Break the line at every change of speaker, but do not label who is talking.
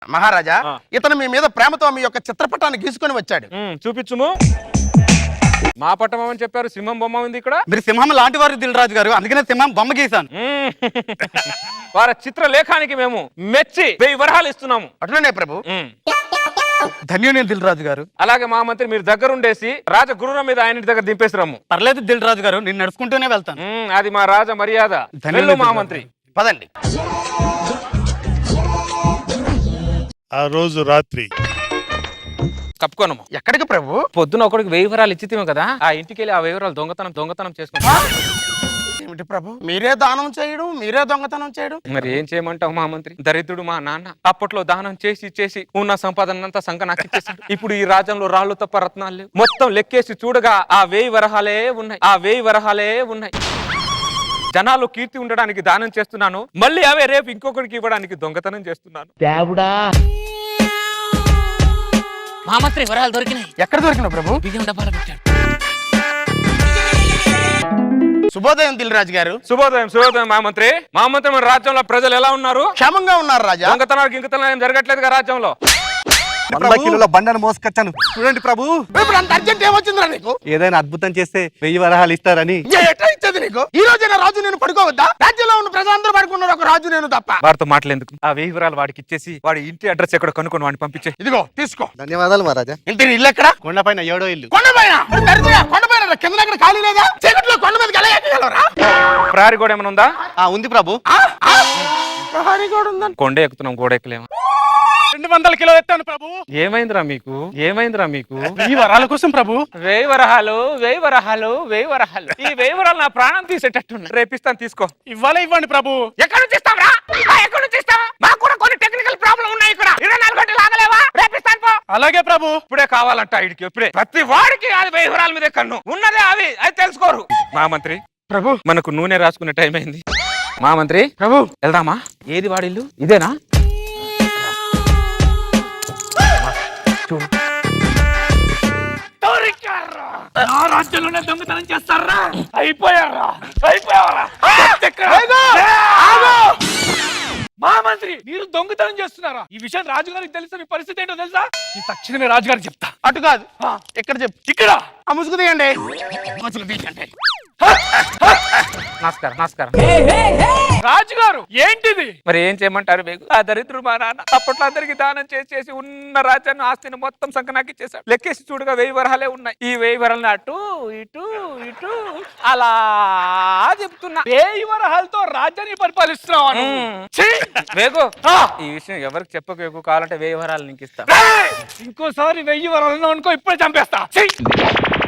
మహారాజా ఇతను మీ మీద ప్రేమతో మీ యొక్క చిత్రపటాన్ని గీసుకొని వచ్చాడు.
చూపించుము. మా పట్టం అని చెప్పారు, సింహం బొమ్మ ఉంది ఇక్కడ.
మీరు సింహం లాంటి వారు దిల్రాజు గారు, అందుకనే సింహం బొమ్మ గీసాను.
వారి చిత్రలేఖానికి మేము మెచ్చి 1000 వరహాలు ఇస్తున్నాము.
అట్లనే ప్రభు.
ధన్యుని దిల్రాజు గారు.
అలాగే మా మంత్రి మీరు దగ్గరుండేసి రాజగురువుల మీద ఆయన దగ్గర దింపేసి రమ్ము.
పర్లేదు దిల్రాజు గారు, నేను నడుచుకుంటూనే వెళ్తాను.
అది మా రాజ మర్యాద. వెళ్ళు మా మంత్రి.
పదండి.
ఆ రోజు రాత్రి
కప్పుకోనము.
ఎక్కడికి ప్రభు?
పొద్దున ఒకడికి 1000 వరాలు ఇచ్చితేమో కదా, ఆ ఇంటికి వెళ్ళి ఆ 1000 వరాలు దొంగతనం చేసుకుంటా.
ఏమిటి ప్రభు, మీరే దానం చేయడం, మీరే దొంగతనం చేయడం?
మరి ఏం చేయమంటావు మా మంత్రి? దరిద్రుడు మా నాన్న అప్పట్లో దానం చేసి ఉన్న సంపాదన అంతా సంఘ నాకు ఇచ్చేసాడు. ఇప్పుడు ఈ రాజ్యంలో రాళ్ళు తప్ప రత్నాలు లేవు. మొత్తం లెక్కేసి చూడగా ఆ 1000 వరహాలే ఉన్నాయి. జనాలు కీర్తి ఉండడానికి దానం చేస్తున్నాను, మళ్ళీ అవే రేపు ఇంకొకరికి ఇవ్వడానికి దొంగతనం చేస్తున్నాను. మా మంత్రి వరాలు దొరికినాయి.
ఎక్కడ దొరికిన ప్రభు?
బియ్యం డబ్బాలో పెట్టాడు.
శుభోదయం దిల్రాజు గారు.
శుభోదయం మా మంత్రి. మన రాజ్యంలో ప్రజలు ఎలా ఉన్నారు?
క్షేమంగా ఉన్నారు రాజా.
దొంగతనాలు గింగతనాలు ఏం జరగట్లేదు రాజ్యంలో.
100 కిలోల బండను మోసుకొచ్చాను చూడండి ప్రభు.
ఇప్పుడు అంత అర్జెంట్ ఏమొచ్చిందిరా నీకు?
ఏదైనా అద్భుతం చేస్తే 1000 వరహాలు ఇస్తారని.
ఎట్లా ఇచ్చేది నీకు? ఈ రోజైనా రాజు నేను పడుకోవద్దా? రాజ్యంలో ఉన్న ప్రజలందరూ పడుకున్నారు, ఒక రాజు నేను తప్ప.
వాడితో మాట్లాడేందుకు ఆ 1000 వరాలు వాడికి ఇచ్చేసి వాడి ఇంటి అడ్రస్ ఎక్కడ కనుక్కొని వాడిని పంపించే.
ఇదిగో తీసుకో.
ధన్యవాదాలు మహారాజా.
ఇంటి ఇల్లు ఎక్కడ?
కొండపైన 7వ ఇల్లు.
కొండపైన? కొండపైన కింద దగ్గర ఖాళీ లేదా? చీకట్లో కొండ మీదకి ఎలా ఎక్కగలరా?
ప్రహరీ గోడ ఏమైనా ఉందా?
ఉంది ప్రభు.
ప్రహరీ గోడ ఉందని
కొండ ఎక్కుతున్నాం, గోడ ఎక్కలేము.
200 కిలో ఎత్తాను ప్రభు.
ఏమైందిరా మీకు?
1000 వరాల కోసం ప్రభు.
1000 వరహాలు. ఈ 1000 వరాలు నా ప్రాణం తీసేటట్టున్నా. రేపిస్తాను, తీసుకో.
ఇవ్వండి ప్రభు.
ఎక్కడి నుంచి ఇస్తావురా? ఎక్కడి నుంచి ఇస్తావా? మాకు కూడా కొన్ని టెక్నికల్ ప్రాబ్లం ఉన్నాయి ఇక్కడ. 24 గంటలు ఆగలేవా? రేపిస్తాను పో.
అలాగే ప్రభు.
ఇప్పుడే కావాలంట ఇడికి, ఇప్పుడే. ప్రతి వాడికి అది 1000 వరాల మీదే కన్ను ఉన్నదే. అవి అది తెలుసుకోరు. మా మంత్రి
ప్రభు,
మనకు నూనె రాసుకునే టైం అయింది. మా మంత్రి
ప్రభు
వెళ్దామా? ఏది వాడిల్లు? ఇదేనా? రాజ్యంలోనే దొంగతనం చేస్తారా? అయిపోయారా?
మా మంత్రి మీరు దొంగతనం చేస్తున్నారా? ఈ విషయం రాజుగారికి తెలుసా? మీ పరిస్థితి ఏంటో తెలుసా? ఈ తక్షణమే రాజుగారికి చెప్తా.
అటు కాదు, ఎక్కడ చెప్పు.
ఇక్కడ
ఆ ముసుగు తీయండి. ముసుగు తీయండి.
నమస్కారం.
రాజుగారు ఏంటిది?
మరి ఏం చేయమంటారు? మీకు ఆ దరిద్రుడు మా నాన్న అప్పట్లో అందరికి దానం చేసి ఉన్న రాజ్యాన్ని ఆస్తిని మొత్తం సంకనాకి చేశాడు. లెక్కేసి చూడగా 1000 వరహాలే ఉన్నాయి. ఈ 1000 వరహాలను అటు ఇటు అలా చెప్తున్నా.
1000 వరహాలతో రాజ్యాన్ని పరిపాలిస్తున్నావు.
వేగు, ఈ విషయం ఎవరికి చెప్పకు. కావాలంటే 1000 వరహాలు నీకు ఇస్తా.
ఇంకోసారి 1000 వరహాలను అనుకో, ఇప్పుడే చంపేస్తా.